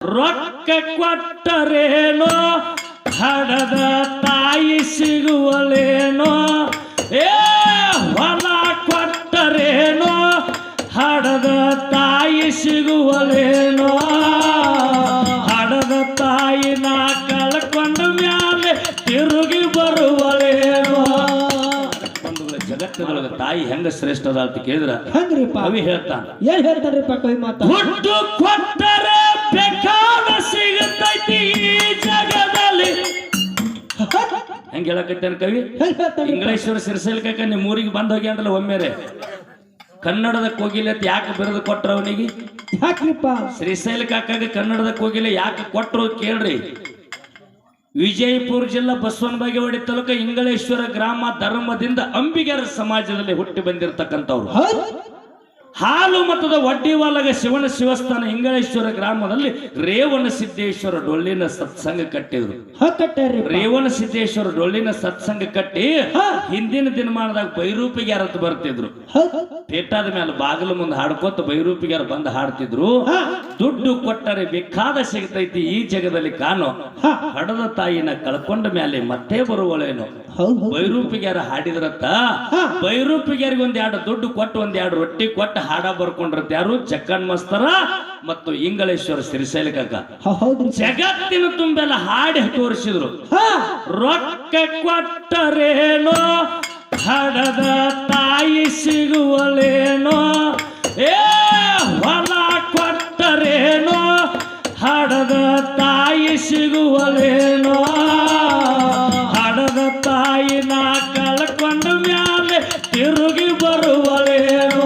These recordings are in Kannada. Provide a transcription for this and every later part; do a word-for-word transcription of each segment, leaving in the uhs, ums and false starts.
ರೊಕ್ಕ ಕೊಟ್ಟರೇನೋ ಹಡದ ತಾಯಿ ಸಿಗುವಲೇನೋ ಏ ಹೊಲ ಕೊಟ್ಟರೇನೋ ಹಡದ ತಾಯಿ ಸಿಗುವಲೇನೋ ಹಡದ ತಾಯಿನ ಕಳ್ಕೊಂಡ ಮ್ಯಾಲೆ ತಿರುಗಿ ಬರುವಲೇನೋ. ಜಗತ್ತಿನೊಳಗ ತಾಯಿ ಹೆಂಗ ಶ್ರೇಷ್ಠ ಅದ ಅಂತ ಕೇಳಿದ್ರ ಕವಿ ಹೇಳ್ತಾನ. ಏನ್ ಹೇಳ್ತಾರ್ರಿಪ್ಪ ಕವಿ ಮಾತ? ಹುಟ್ಟು ಕೊಟ್ಟರೆ ಬೇಕಾದ ಸಿಗುತ್ತೈತಿ ಈ ಜಗದಲ್ಲಿ. ಹೆಂಗ ಹೇಳಕತ್ತೇನ ಕವಿ? ಇಂಗ್ಲೇಶ್ವರ ಸಿರಿಸಲ್ಕ ನಿಮ್ಮ ಊರಿಗೆ ಬಂದ್ ಹೋಗಿ ಅಂದ್ರಲ್ಲ ಒಮ್ಮೆರೆ ಕನ್ನಡದ ಕೋಗಿಲೆ ಯಾಕೆ ಬಿರುದು ಕೊಟ್ರ ಅವನಿಗೆ? ಯಾಕ್ರಿಪ್ಪ? ಶ್ರೀಶೈಲ ಕಾಕಾಗ ಕನ್ನಡದ ಕೋಗಿಲೆ ಯಾಕೆ ಕೊಟ್ರು ಕೇಳ್ರಿ. ವಿಜಯಪುರ ಜಿಲ್ಲಾ ಬಸವನ ಬಾಗೇವಾಡಿ ತಾಲೂಕು ಇಂಗಳೇಶ್ವರ ಗ್ರಾಮ ಧರ್ಮದಿಂದ ಅಂಬಿಗರ ಸಮಾಜದಲ್ಲಿ ಹುಟ್ಟಿ ಬಂದಿರತಕ್ಕಂಥವ್ರು. ಹಾಲು ಮತದ ವಡ್ಡಿವಾಲಗ ಶಿವನ ಶಿವಸ್ಥಾನ ಇಂಗಳೇಶ್ವರ ಗ್ರಾಮದಲ್ಲಿ ರೇವಣ ಸಿದ್ದೇಶ್ವರ ಡೊಳ್ಳಿನ ಸತ್ಸಂಗ ಕಟ್ಟಿದ್ರು. ರೇವಣ ಸಿದ್ದೇಶ್ವರ ಡೊಳ್ಳಿನ ಸತ್ಸಂಗ ಕಟ್ಟಿ ಹಿಂದಿನ ದಿನಮಾನದಾಗ ಬೈರೂಪಿಗ್ಯಾರ ಅಂತ ಬರ್ತಿದ್ರು. ಪೇಟಾದ ಮೇಲೆ ಬಾಗಿಲು ಮುಂದೆ ಹಾಡ್ಕೋತ ಬೈರೂಪಿಗ್ಯಾರ ಬಂದು ಹಾಡ್ತಿದ್ರು. ದುಡ್ಡು ಕೊಟ್ಟರೆ ಬೇಕಾದ ಸಿಗ್ತೈತಿ ಈ ಜಗದಲ್ಲಿ ಕಾಣೋ ಹಡದ ತಾಯಿನ ಕಳ್ಕೊಂಡ ಮೇಲೆ ಮತ್ತೆ ಬರುವಳೇನು. ಬೈರೂಪಿಗ್ಯಾರ ಹಾಡಿದ್ರತ್ತ ಬೈರೂಪಿಗ್ಯಾರಿಗೆ ಒಂದ್ ಎರಡು ದುಡ್ಡು ಕೊಟ್ಟು ಒಂದ್ ಎರಡು ರೊಟ್ಟಿ ಕೊಟ್ಟು ಹಾಡ ಬರ್ಕೊಂಡಿರತ್ತ ಯಾರು? ಜಕ್ಕನ್ ಮಸ್ತರ ಮತ್ತು ಇಂಗಳೇಶ್ವರ ಸಿರಿಸೈಲ ಕಾಕ. ಜಗತ್ತಿನ ತುಂಬೆಲ್ಲ ಹಾಡಿ ತೋರಿಸಿದ್ರು. ರೊಕ್ಕ ಕೊಟ್ಟರೇನೋ ಹಡದ ತಾಯಿ ಸಿಗುವಲೇನೋ ಏ ಹೊಲ ಕೊಟ್ಟರೇನೋ ಹಡದ ತಾಯಿ ಸಿಗುವಲೇನೋ ಹಡದ ತಾಯಿನ ಕಳ್ಕೊಂಡ ಮ್ಯಾಲೆ ತಿರುಗಿ ಬರುವಲೇನೋ.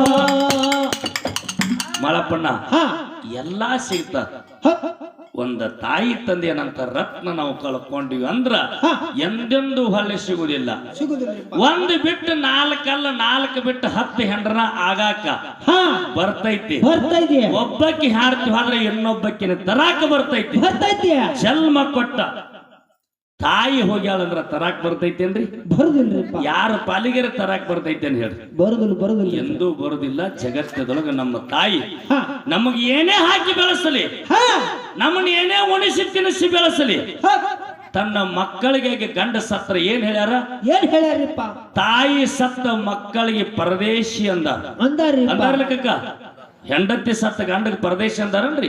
ಮಳಪ್ಪಣ್ಣ ಎಲ್ಲಾ ಸಿಗ್ತ ಒಂದ ತಾಯಿ ತಂದೆ ಏನಂತ ರತ್ನ ನಾವು ಕಳ್ಕೊಂಡಿವಿ ಅಂದ್ರ ಎಂದೆಂದು ಹೊಳೆ ಸಿಗುದಿಲ್ಲ. ಒಂದು ಬಿಟ್ಟು ನಾಲ್ಕಲ್ಲ ನಾಲ್ಕು ಬಿಟ್ಟು ಹತ್ತು ಹೆಂಡ್ರನ ಆಗಾಕ ಬರ್ತೈತಿ. ಒಬ್ಬಕ್ಕಿ ಹಾಡ್ತೀವಿ ಆದ್ರೆ ಇನ್ನೊಬ್ಬಕ್ಕಿನ ತರಾಕ ಬರ್ತೈತಿ. ಜನ್ಮ ಕೊಟ್ಟ ತಾಯಿ ಹೋಗ್ಯಾಳಂದ್ರ ತರಾಕ್ ಬರ್ತೈತೇನ್ರಿ? ಬರುದಿಲ್ರಿ. ಯಾರ ಪಾಲಿಗೆರ ತರಾಕ್ ಬರ್ತೈತೇನ್ ಹೇಳ್ರಿ? ಬರುದಿಲ್ಲ ಬರುದಿಲ್ಲ ಎಂದೂ ಬರುದಿಲ್ಲ. ಜಗತ್ತದೊಳಗ ನಮ್ಮ ತಾಯಿ ನಮಗೆ ಏನೇ ಹಾಕಿ ಬೆಳೆಸಲಿ, ನಮ್ಮನ್ನ ಏನೇ ಉಣಿಸಿ ತಿನ್ನಿಸಿ ಬೆಳೆಸಲಿ, ತನ್ನ ಮಕ್ಕಳಿಗೆ ಗಂಡ ಸತ್ರ ಏನ್ ಹೇಳ್ಯಾರ? ಏನ್ ಹೇಳ್ಯಾರಿಪ್ಪ? ತಾಯಿ ಸತ್ತ ಮಕ್ಕಳಿಗೆ ಪರದೇಶಿ ಅಂದ ಅಂದಾರ್ಲಿಕ್ಕ. ಹೆಂಡತಿ ಸತ್ತ ಗಂಡಗೆ ಪರದೇಶಿ ಅಂದಾರನ್ರಿ.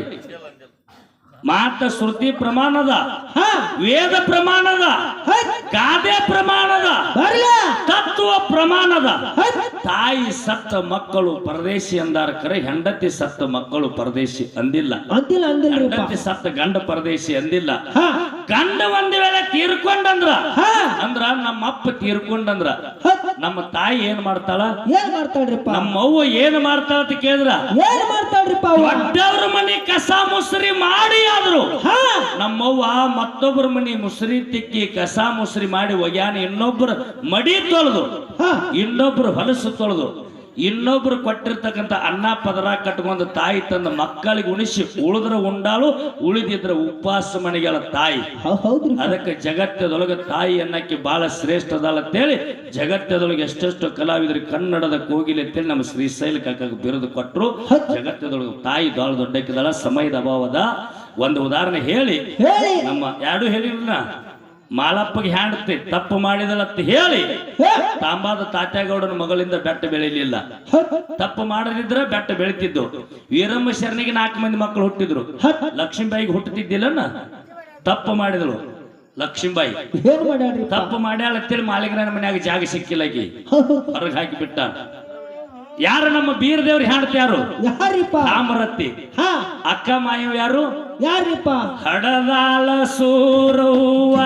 ಮಾತ ಶ್ರುತಿ ಪ್ರಮಾಣದ, ವೇದ ಪ್ರಮಾಣದ, ಗಾದೆ ಪ್ರಮಾಣದ, ತತ್ವ ಪ್ರಮಾಣದ. ತಾಯಿ ಸತ್ತ ಮಕ್ಕಳು ಪರದೇಶಿ ಅಂದಾರ ಕರೆ, ಹೆಂಡತಿ ಸತ್ತ ಮಕ್ಕಳು ಪರದೇಶಿ ಅಂದಿಲ್ಲ. ಹೆಂಡತಿ ಸತ್ತ ಗಂಡ ಪರದೇಶಿ ಅಂದಿಲ್ಲ. ಗಂಡ ಒಂದ್ ವೇಳೆ ತೀರ್ಕೊಂಡಂದ್ರ ಅಂದ್ರ ನಮ್ಮ ಅಪ್ಪ ತೀರ್ಕೊಂಡಂದ್ರ ನಮ್ಮ ತಾಯಿ ಏನ್ ಮಾಡ್ತಾಳ? ಏನ್ ಮಾಡ್ತಾಳ್ರಿಪ್ಪ? ನಮ್ಮ ಅವ್ವ ಏನ್ ಮಾಡ್ತಾಳ ಅಂತ ಕೇಳಿದ್ರ ಏನ್ ಮಾಡ್ತಾಳ್ರಿಪ್ಪ? ದೊಡ್ಡವ್ರ ಮನೆ ಕಸ ಮುಸ್ರಿ ಮಾಡಿ ಆದ್ರು ನಮ್ಮವ್ವ ಮತ್ತೊಬ್ಬರ ಮನಿ ಮುಸ್ರಿ ತಿಕ್ಕಿ ಕಸ ಮುಸ್ರಿ ಮಾಡಿ ಒಗ್ಯಾನ ಇನ್ನೊಬ್ರು ಮಡಿ ತೊಳೆದು ಇನ್ನೊಬ್ರು ಹೊಲಸು ತೊಳೆದು ಇನ್ನೊಬ್ರು ಕೊಟ್ಟಿರ್ತಕ್ಕಂಥ ಅನ್ನ ಪದರ ಕಟ್ಕೊಂಡು ತಾಯಿ ತನ್ನ ಮಕ್ಕಳಿಗೆ ಉಣಿಸಿ ಉಳಿದ್ರ ಉಂಡಾಳು, ಉಳಿದಿದ್ರ ಉಪವಾಸ ಮನೆಗಳ ತಾಯಿ. ಅದಕ್ಕೆ ಜಗತ್ತದೊಳಗೆ ತಾಯಿ ಅನ್ನಕ್ಕೆ ಬಹಳ ಶ್ರೇಷ್ಠ ಅದಾಳ ಅಂತೇಳಿ ಜಗತ್ತದೊಳಗೆ ಎಷ್ಟೆಷ್ಟು ಕಲಾವಿದರಿಗೆ ಕನ್ನಡದ ಕೋಗಿಲೆ ಅಂತೇಳಿ ನಮ್ಮ ಶ್ರೀಶೈಲ ಕಾಕ ಬಿರುದು ಕೊಟ್ಟರು. ಜಗತ್ತದೊಳಗೆ ತಾಯಿ ಬಹಳ ದೊಡ್ಡಕ್ಕಿದಾಳ. ಸಮಯದ ಅಭಾವದ ಒಂದು ಉದಾಹರಣೆ ಹೇಳಿ ನಮ್ಮ ಎರಡು ಹೇಳಿಲ್ಲ. ಮಾಳಪ್ಪಗೆ ಹ್ಯಾಂಡತಿ ತಪ್ಪು ಮಾಡಿದಳತ್ತ ಹೇಳಿ ತಾಂಬಾದ ತಾತ್ಯಾಗೌಡನ ಮಗಳಿಂದ ಬೆಟ್ಟ ಬೆಳಿಲಿಲ್ಲ. ತಪ್ಪು ಮಾಡದಿದ್ರೆ ಬೆಟ್ಟ ಬೆಳಿತಿದ್ದು. ವೀರಮ್ಮ ಶರಣಿಗೆ ನಾಲ್ಕು ಮಂದಿ ಮಕ್ಕಳು ಹುಟ್ಟಿದ್ರು. ಲಕ್ಷ್ಮೀಬಾಯಿಗೆ ಹುಟ್ಟುತ್ತಿದ್ದಿಲ್ಲ. ತಪ್ಪು ಮಾಡಿದಳು ಲಕ್ಷ್ಮೀಬಾಯಿ. ತಪ್ಪು ಮಾಡ್ಯಾಳತ್ತೇಳಿ ಮಾಳಿಗ್ರಾನ ಮನ್ಯಾಗ ಜಾಗ ಸಿಕ್ಕಿಲ್ಲಕಿ ಹೊರಗೆ ಹಾಕಿ ಬಿಟ್ಟ. ಯಾರು ನಮ್ಮ ಬೀರ ದೇವ್ರು ಹಾಡ್ತ ಯಾರು? ಕಾಮರತ್ತಿ. ಅಕ್ಕ ಮಾಯವ ಯಾರು? ಯಾರಿಪ್ಪ? ಹಡದಾಳ ಸೂರವ್ವ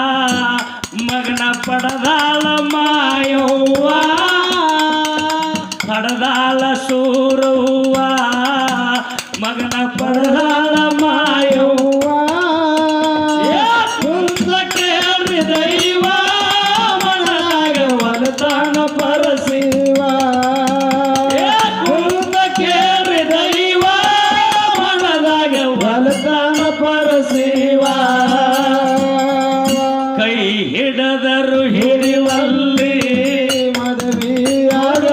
ಮಗನ ಪಡದಾಳ ಮಾಯವ್ವ. ಹಡದಾಳ ಸೂರವ್ವ ಮಗನ ಪಡದಾಳ ಮಾಯವ್ವ. ಕೇಳ್ರಿ ದೈವ ಮನದಾಗ ಒಲತಾನ ಪರಸಿವ. ಕೈ ಹಿಡದರು ಹಿಡಿವಲ್ಲಿ ಮದುವೆಯಾಗ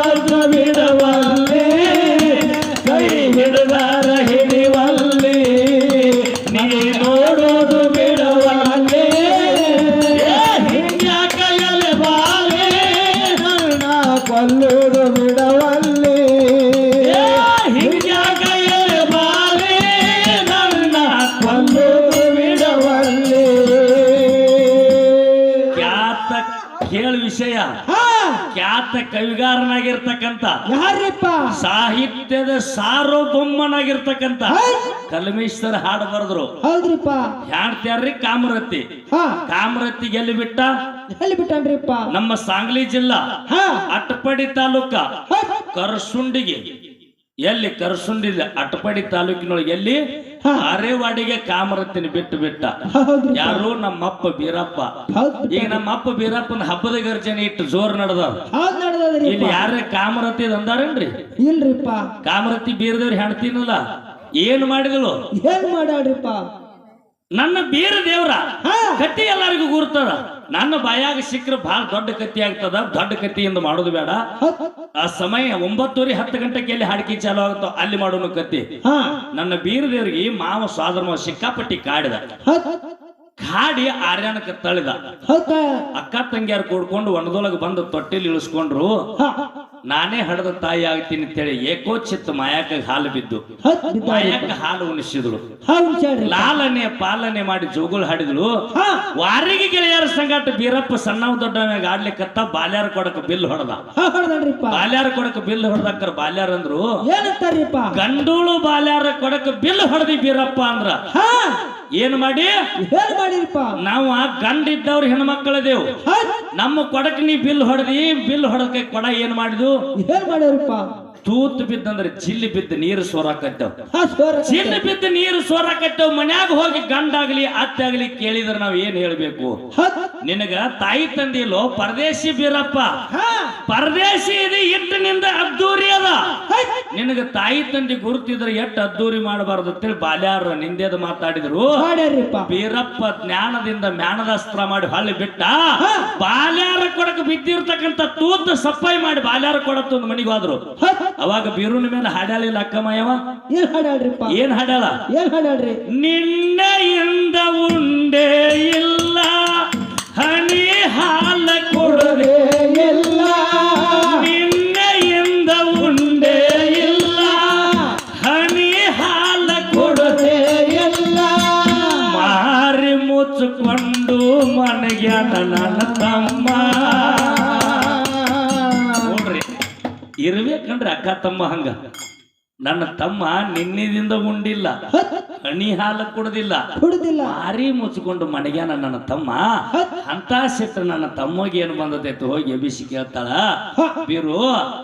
ಬಿಡವಲ್ಲಿ. ಕೈ ಹಿಡದರ ಹಿಡಿವಲ್ಲಿ ನೀ ವಿಷಯ ಹಾ ಖ್ಯಾತ ಕವಿಗಾರನಾಗಿರ್ತಕ್ಕಂಥ ಯಾರಿಪ್ಪ ಸಾಹಿತ್ಯದ ಸಾರ್ವಭೌಮನಾಗಿರ್ತಕ್ಕಂಥ ಹೌದ್. ಕಲ್ಮೇಶ್ವರ ಹಾಡು ಬರೆದ್ರು. ಹೌದ್ರಿಪ್ಪ ಹಾಡ್ತ್ಯಾರ್ರಿ ಕಾಮರತಿ. ಹಾ ಕಾಮರತಿ ಗೆಲ್ಲಿ ಬಿಟ್ಟ ಎಲ್ಲಿ ಬಿಟ್ಟನ್ರಿಪ್ಪ ನಮ್ಮ ಸಾಂಗ್ಲಿ ಜಿಲ್ಲಾ ಹಾ ಅಟ್ಟಪಾಡಿ ತಾಲೂಕ ಹೌದ್. ಕರಸುಂಡಿಗೆ. ಎಲ್ಲಿ ಕರಸುಂಡಿ ಅಟ್ಟಪಾಡಿ ತಾಲೂಕಿನೊಳಗೆ ಎಲ್ಲಿ ಹಾ. ಅರೇವಾಡಿಗೆ ಕಾಮರತಿನ ಬಿಟ್ಟು ಬಿಟ್ಟ. ಹೌದ್ರಿಪ್ಪ ಯಾರು ನಮ್ಮಪ್ಪ ಬೀರಪ್ಪ. ಹೌದ್ ಈಗ ನಮ್ಮಪ್ಪ ಬೀರಪ್ಪನ ಹಬ್ಬದ ಗರ್ಜನೆ ಇಟ್ಟು ಜೋರ್ ನಡೆದ. ಹೌದ್ ನಡೆದದ್ರಿ ಇಲ್ಲಿ ಯಾರೇ ಕಾಮರತಿ ಅಂದಾರೇನ್ರಿ? ಇಲ್ರಿಪ್ಪ ಕಾಮರತಿ ಬೀರದೇವ್ರಿ ಹೆಣ್ತೀನಲ್ಲ ಏನ್ ಮಾಡಿದಳು? ಏನ್ ಮಾಡ್ಯಾಳ್ರಿಪ್ಪ ನನ್ನ ಬೀರ ದೇವ್ರ ಹಾ ಕತ್ತಿ ಎಲ್ಲರಿಗೂ ಗುರ್ತದ. ನನ್ನ ಬಾಯಾಗ ಸಿಕ್ಕರೆ ಬಹಳ ದೊಡ್ಡ ಕತ್ತಿ ಆಗ್ತದ. ದೊಡ್ಡ ಕತ್ತಿಯಿಂದ ಮಾಡೋದು ಬೇಡ. ಹೌದ್. ಆ ಸಮಯ ಒಂಬತ್ತುವರೆ ಹತ್ತು ಗಂಟೆಗೆ ಎಲ್ಲಿ ಹಾಡ್ಕಿ ಚಾಲು ಆಗುತ್ತೋ ಅಲ್ಲಿ ಮಾಡೋನು ಕತ್ತಿ. ಹಾ ನನ್ನ ಬೀರ ದೇವ್ರಿಗೆ ಮಾವ ಸ್ವಾದ್ರ ಸಿಕ್ಕಾಪಟ್ಟಿ ಕಾಡಿದ. ಹೌದ್. ಕಾಡಿ ಆರ್ಯಾನಕ್ಕೆ ತಳಿದ. ಹೌದ್. ಅಕ್ಕ ತಂಗಿಯಾರು ಕೂಡ್ಕೊಂಡು ಒಣದೊಳಗೆ ಬಂದು ತೊಟ್ಟಿಲಿ ಇಳಿಸ್ಕೊಂಡ್ರು. ಹಾ ನಾನೇ ಹಡದ ತಾಯಿ ಆಗ್ತೀನಿ ಅಂತೇಳಿ ಏಕೋಚಿತ್ತ ಮಾಯಾಕ ಹಾಲು ಬಿದ್ದು ಹೌದ್ ಬಿದ್ದಾರಿ. ಮಾಯಾಕ ಹಾಲು ಉಣಿಸಿದಳು. ಹಾ ಉಣ್ಸ್ಯಾಳ್ರಿ. ಲಾಲನೆ ಪಾಲನೆ ಮಾಡಿ ಜೋಗುಳು ಹಾಡಿದಳು. ಹಾ ವಾರಿಗೆ ಗೆಳೆಯರ ಸಂಗಾಟ ಬೀರಪ್ಪ ಸಣ್ಣವ ದೊಡ್ಡವ್ಯಾಗ ಆಡ್ಲಿಕ್ಕತ್ತ ಬಾಲ್ಯಾರ ಕೊಡಕ ಬಿಲ್ ಹೊಡೆದ. ಹಾ ಹೊಡ್ದನ್ರಿಪ್ಪ ಬಾಲ್ಯಾರ ಕೊಡಕ ಬಿಲ್ ಹೊಡೆದಕ್ಕರ ಬಾಲ್ಯಾರ ಅಂದ್ರು ಏನಂತಾರ್ರಿಪ್ಪ ಗಂಡೂಳು ಬಾಲ್ಯಾರ ಕೊಡಕ ಬಿಲ್ ಹೊಡೆದಿ ಬೀರಪ್ಪ ಅಂದ್ರ ಹಾ ಏನ್ ಮಾಡಿ ಏನ್ ಮಾಡಿರಿಪ್ಪ ನಾವು ಗಂಡ ಇದ್ದವ್ರ ಹೆಣ್ಮಕ್ಕಳದೇವು. ಹೌದ್. ನಮ್ಮ ಕೊಡಕ್ ನೀ ಬಿಲ್ ಹೊಡೆದಿ. ಬಿಲ್ ಹೊಡಕ ಕೊಡ ಏನ್ ಮಾಡಿದ್ವು? ಏನ್ ಮಾಡ್ಯಾರಿಪ್ಪ ತೂತ್ ಬಿದ್ದಂದ್ರೆ ಚಿಲ್ಲಿ ಬಿದ್ದು ನೀರು ಸೋರಾಕತ್ತೇವ್. ಹಾ ಸೋರ ಚಿಲ್ಲಿ ಬಿದ್ದು ನೀರು ಸೋರಾಕತ್ತೇವ್. ಮನ್ಯಾಗ ಹೋಗಿ ಗಂಡಾಗ್ಲಿ ಅತ್ತಾಗ್ಲಿ ಕೇಳಿದ್ರ ನಾವ್ ಏನ್ ಹೇಳ್ಬೇಕು? ಹೌದ್. ನಿನಗ ತಾಯಿ ತಂದಿಲ್ಲೋ ಪರದೇಶಿ ಬೀರಪ್ಪ. ಹಾ ಪರದೇಶಿ ಇದೆ ಇಟ್ಟಿನಿಂದ ಅದ್ದೂರಿ ಅದ. ಹೌದ್. ನಿನಗ ತಾಯಿ ತಂದಿ ಗುರುತಿದ್ರೆ ಎಷ್ಟ್ ಅದ್ದೂರಿ ಮಾಡಬಾರ್ದು ಅಂತೇಳಿ ಬಾಲ್ಯಾರ ನಿಂದೇದ ಮಾತಾಡಿದ್ರು. ಮಾಡ್ಯಾರಿಪ್ಪ ಬೀರಪ್ಪ ಜ್ಞಾನದಿಂದ ಮ್ಯಾನದಾಸ್ತ್ರ ಮಾಡಿ ಹೊಳ್ಳಿ ಬಿಟ್ಟ. ಹಾ. ಬಾಲ್ಯಾರ ಕೊಡಕ ಬಿದ್ದಿರ್ತಕ್ಕಂಥ ತೂತ್ ಸಫಾಯಿ ಮಾಡಿ ಬಾಲ್ಯಾರ ಕೊಡತ್ತ ಒಂದು ಮನಿಗೆ ಹೋದ್ರು. ಹೌದ್. ಅವಾಗ ಬೀರುನ ಮೇಲೆ ಹಾಡ್ಯಾಳಿಲ್ಲ ಅಕ್ಕಮಯವ. ಏನ್ ಹಾಡ್ಯಾಳ್ರಿಪ್ಪ ಏನ್ ಹಾಡ್ಯಾಳ? ಏನ್ ಹಾಡ್ಯಾಳ್ರಿ ನಿನ್ನೆಯಿಂದ ಉಂಡೆ ಇಲ್ಲ ಹನಿ ಹಾಲ ಕೊಡದೆ ಎಲ್ಲ ನಿನ್ನೆಯಿಂದ ಉಂಡೆ ಇಲ್ಲ ಹನಿ ಹಾಲ ಕೊಡದೆ ಎಲ್ಲ ಮಾರಿ ಮುಚ್ಚಿಕೊಂಡು ಮನೆಗ್ಯಾನ ನನ್ನ ತಮ್ಮ. ನೋಡ್ರಿ ಇರ್ಬೇಕಂದ್ರೆ ಅಕ್ಕ ತಮ್ಮ ಹಂಗ. ನನ್ನ ತಮ್ಮ ನಿನ್ನಿದಿಂದ ಉಂಡಿಲ್ಲ ಹಣಿ ಹಾಲ ಕುಡ್ದಿಲ್ಲ ಕುಡುದಿಲ್ಲ ಮಾರಿ ಮುಚ್ಚಿಕೊಂಡು ಮನೆಗ್ಯಾನ ನನ್ನ ತಮ್ಮ. ಅಂತ ಸಿಟ್ಟು ನನ್ನ ತಮ್ಮಗೆ ಏನು ಬಂದದೈತು ಹೋಗಿ ಎಬಿಸಿ ಕೇಳ್ತಾಳ. ಬೀರು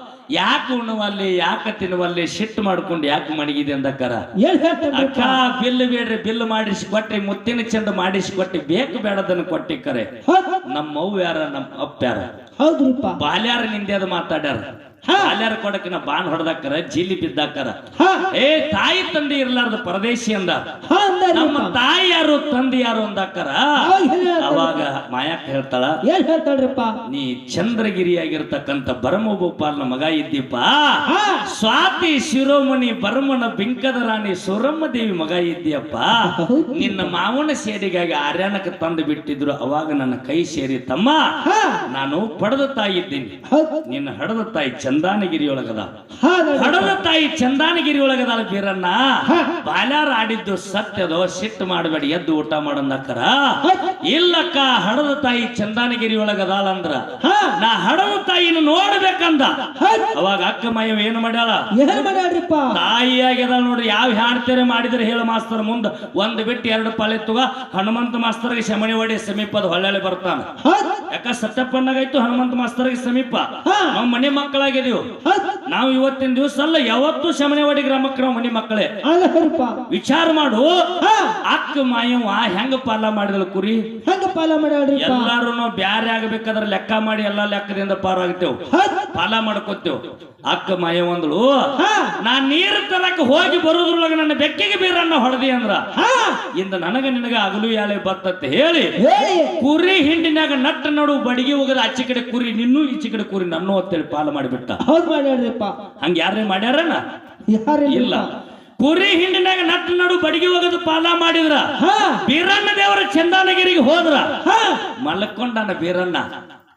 ಯಾಕೆ ಉಣ್ಣುವಲ್ಲಿ ಯಾಕೆ ತಿನ್ನುವಲ್ಲಿ ಸಿಟ್ಟು ಮಾಡ್ಕೊಂಡು ಯಾಕೆ ಮಣಗಿದೆ ಅಂದಕ್ಕಾರ. ಏನ್ ಹೇಳ್ತಾನ್ರಿಪ್ಪ ಅಕ್ಕ ಬಿಲ್ ಬೇಡ್ರಿ ಬಿಲ್ ಮಾಡಿಸಿ ಕೊಟ್ರಿ ಮುತ್ತಿನ ಚೆಂಡು ಮಾಡಿಸಿ ಕೊಟ್ಟಿ ಬೇಕು ಬೇಡದನ್ನು ಕೊಟ್ಟಿ ಕರೆ. ಹೌದ್. ನಮ್ಮ ಅವ್ವ ಯಾರ ನಮ್ಮ ಅಪ್ಪ ಯಾರ ಹೌದ್ರಿಪ್ಪ ಬಾಲ್ಯಾರ ನಿಂದೆ ಅದು ಮಾತಾಡ್ಯಾರ. ಬಾಲ್ಯಾರ ಕೊಡಕಿನ ಬಾನ್ ಹೊಡೆದಾಕರ ಜೀಲಿ ಬಿದ್ದಾಕರ. ಹಾ ಏ ತಾಯಿ ತಂದೆ ಇರ್ಲಾರ್ದ ಪರದೇಶಿ ಅಂದ. ಹಾ ಅಂದಾರಿಪ್ಪ ನಮ್ಮ ತಾಯಿ ಯಾರು ತಂದೆ ಯಾರು ಅಂದಾಕರ. ಅವಾಗ ಏನ್ ಹೇಳ್ತಾರ್ರಿ? ಅವಾಗ ಮಾಯಾಕ ಹೇಳ್ತಾಳ ಏನ್ ಹೇಳ್ತಾಳ್ರಿಪ್ಪ ನೀ ಚಂದ್ರಗಿರಿಯಾಗಿರ್ತಕ್ಕಂಥ ಭರಮಭೂಪಾಲನ ಮಗ ಇದ್ದೀಪ. ಹಾ ಸ್ವಾತಿ ಶಿರೋಮಣಿ ಭರಮನ ಬಿಂಕದ ರಾಣಿ ಸುರಮ್ಮ ದೇವಿ ಮಗ ಇದ್ದೀಯಪ್ಪ. ನಿನ್ನ ಮಾವನ ಸೇರಿಗಾಗಿ ಆರ್ಯಾನಕ್ಕೆ ತಂದು ಬಿಟ್ಟಿದ್ರು. ಅವಾಗ ನನ್ನ ಕೈ ಸೇರಿ ತಮ್ಮ ಹಾ ನಾನು ಪಡೆದ ತಾಯಿ ಇದ್ದೀನಿ. ಹೌದ್. ನಿನ್ನ ಹಡದ ತಾಯಿ ಚಂದಾನಗಿರಿ ಒಳಗದ. ಹಾ ನೋಡ್ರಿಪ್ಪ. ಹಡದ ತಾಯಿ ಚಂದಾನಗಿರಿ ಒಳಗದಾಳ ಬೀರಣ್ಣ. ಹಾ. ಬಾಲ್ಯಾರ ಆಡಿದ್ದು ಸತ್ಯದೋ ಸಿಟ್ಟು ಮಾಡಬೇಡಿ ಎದ್ದು ಊಟ ಮಾಡಂದಕ್ಕರ. ಹೌದ್. ಇಲ್ಲಕ್ಕ ಹಡದ ತಾಯಿ ಚಂದಾನಗಿರಿ ಒಳಗದಾಳ ಅಂದ್ರ ಹಾ ನಾ ಹಡದ ತಾಯಿನ ನೋಡ್ಬೇಕಂದ. ಹೌದ್. ಅವಾಗ ಅಕ್ಕ ಮಯ್ಯ ಏನು ಮಾಡ್ಯಾಳ? ಏನ್ ಮಾಡ್ಯಾಳ್ರಿಪ್ಪ ತಾಯಿಯಾಗ್ಯದ ನೋಡ್ರಿ. ಯಾವ ಹಾಡ್ತೇರೆ ಮಾಡಿದ್ರೆ ಹೇಳ ಮಾಸ್ತರ್ ಮುಂದ ಒಂದ್ ಬಿಟ್ಟು ಎರಡು ಪಾಲೆ ತುಗ ಹನುಮಂತ ಮಾಸ್ತರ್ಗೆ ಶಮನಿ ಹೊಡಿ ಸಮೀಪದ ಹೊಳ್ಳೆ ಬರ್ತಾನ. ಹೌದ್. ಯಾಕ ಸತ್ಯಪ್ಪನಾಗಾಯ್ತು ಹನುಮಂತ ಮಾಸ್ತರ್ಗೆ ಸಮೀಪ. ಹಾ. ನಾವು ಮನೆ ಮಕ್ಕಳಾಗಿದೀವಿ. ಹೌದ್. ನಾವು ಇವತ್ತಿನ ದಿವಸ ಅಲ್ಲ ಯಾವತ್ತು ಶಮನೆವಾಡಿ ಗ್ರಾಮಕ್ಕೆ ನಾವು ಮನೆ ಮಕ್ಕಳೇ. ಅಲ್ಲರಿಪ್ಪ ವಿಚಾರ ಮಾಡು. ಹಾ ಅಕ್ಕ ಮಾಯವ್ವ ಹೆಂಗ ಪಾಲ ಮಾಡಿದಳು ಕುರಿ. ಹೆಂಗ ಪಾಲ ಮಾಡ್ಯಾಳ್ರಿಪ್ಪ ಎಲ್ಲಾರು ನಾವು ಬ್ಯಾರೆ ಆಗ್ಬೇಕಾದ್ರೆ ಲೆಕ್ಕ ಮಾಡಿ ಎಲ್ಲಾ ಲೆಕ್ಕದಿಂದ ಪಾರಾಗ್ತೇವ್. ಹೌದ್. ಪಾಲ ಮಾಡ್ಕೋತೇವ್. ಅಕ್ಕ ಮಾಯವ್ವ ಅಂದಳು ಹಾ ನಾ ನೀರ್ ತರಕ್ ಹೋಗಿ ಬರೋದ್ರೊಳಗ ನನ್ನ ಬೆಕ್ಕಿಗೆ ಬೀರನ್ನ ಹೊಡೆದಿ ಅಂದ್ರ ಹಾ ಇಂದ ನನಗ ನಿನಗ ಅಗಲು ಯಾಳೆ ಬತ್ತತ್ತೆ ಹೇಳಿ ಹೇಳಿ ಕುರಿ ಹಿಂಡಿನಾಗ ನಟ್ಟ ನಡು ಬಡಿಗೆ ಹೋಗದ ಆಚೆ ಕಡೆ ಕುರಿ ನಿನ್ನೂ ಈಚೆ ಕಡೆ ಕುರಿ ನನ್ನೂ ಅಂತೇಳಿ ಪಾಲ ಮಾಡಿಬಿಟ್ಟ. ಹೌದ್ ಮಾಡ್ಯಾಳ್ರಿಪ್ಪ ಹಂಗ ಯಾರೇ ಮಾಡ್ಯಾರನ? ಯಾರಿಲ್ಲ ಇಲ್ಲ. ಕುರಿ ಹಿಂಡಿನಾಗ ನಟ್ಟ ನಡು ಬಡಿಗೆ ಹೋಗದ ಪಾಲ ಮಾಡಿದ್ರ ಹಾ ಬೀರಣ್ಣ ದೇವರ ಚಂದಾನಗಿರಿಗೆ ಹೋದ್ರ ಹಾ ಮಲ್ಕೊಂಡನ ಬೀರಣ್ಣ.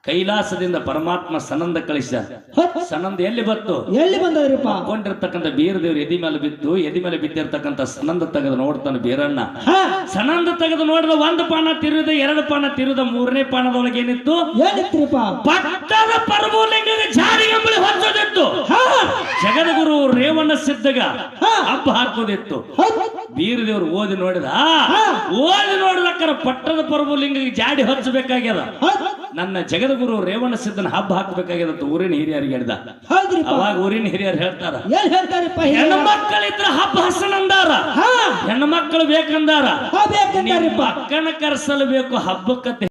ಕೈಲಾಸದಿಂದ ಪರಮಾತ್ಮ ಸನಂದ ಕಳಿಸ ಹತ್. ಸನಂದ ಎಲ್ಲಿ ಬತ್ತು ಎಲ್ಲಿ ಬಂದದ್ರಿಪ್ಪ ಕೊಂಡಿರ್ತಕ್ಕಂಥ ಬೀರದೇವ್ರು ಎದಿ ಮೇಲೆ ಬಿದ್ದು ಎದಿ ಮೇಲೆ ಬಿದ್ದಿರ್ತಕ್ಕಂಥ ಸನಂದ ತೆಗೆದು ನೋಡ್ತಾನೆ ಬೀರಣ್ಣ ಹಾ ಸನಂದ ತೆಗೆದು ನೋಡಿದ ಒಂದು ಪಾನ ತಿರುದ ಎರಡು ಪಾನ ತಿರುದ ಮೂರನೇ ಪಾನದೊಳಗೆ ಏನಿತ್ತು ಏನಿತ್ರಿಪ್ಪ ಪಟ್ಟದ ಪರಮಲಿಂಗದ ಜಾರಿ ಎಂಬಳಿ ಹೊಂದೋದಿತ್ತು ಹಾ ಜಗದ್ಗುರು ರೇವಣ್ಣ ಸಿದ್ಧಗ ಹಾ. ಹಬ್ಬ ಹಾಕೋದಿತ್ತು ಹತ್. ಬೀರದೇವ್ರು ಓದಿ ನೋಡಿದ ಹಾ. ಓದಿ ನೋಡ್ಲಕ್ಕರ ಪಟ್ಟದ ಪರಮಲಿಂಗಗೆ ಜಾಡಿ ಹಚ್ಚಬೇಕಾಗ್ಯದ ಹತ್. ನನ್ನ ಜಗದ್ಗುರು ರೇವಣ್ಣ ಸಿದ್ಧನ ಹಬ್ಬ ಹಾಕಬೇಕಾಗ್ಯದ ಊರಿನ ಹಿರಿಯರಿಗೆ ಹೇಳಿದ ಹೌದ್ರಿಪ್ಪ ಅವಾಗ ಊರಿನ ಹಿರಿಯರು ಹೇಳ್ತಾರ ಏನ್ ಹೇಳ್ತಾರಿಪ್ಪ ಹೆಣ್ಣು ಮಕ್ಕಳಿದ್ರ ಹಬ್ಬ ಹಸನಂದಾರ ಹಾ ಹೆಣ್ಣು ಮಕ್ಕಳು ಬೇಕಂದಾರ ಹಾ ಬೇಕಂತಾರಿಪ್ಪ ನಿಮ್ಮ ಅಕ್ಕನ ಕರ್ಸಲು ಬೇಕು ಹಬ್ಬಕ್ಕಂತ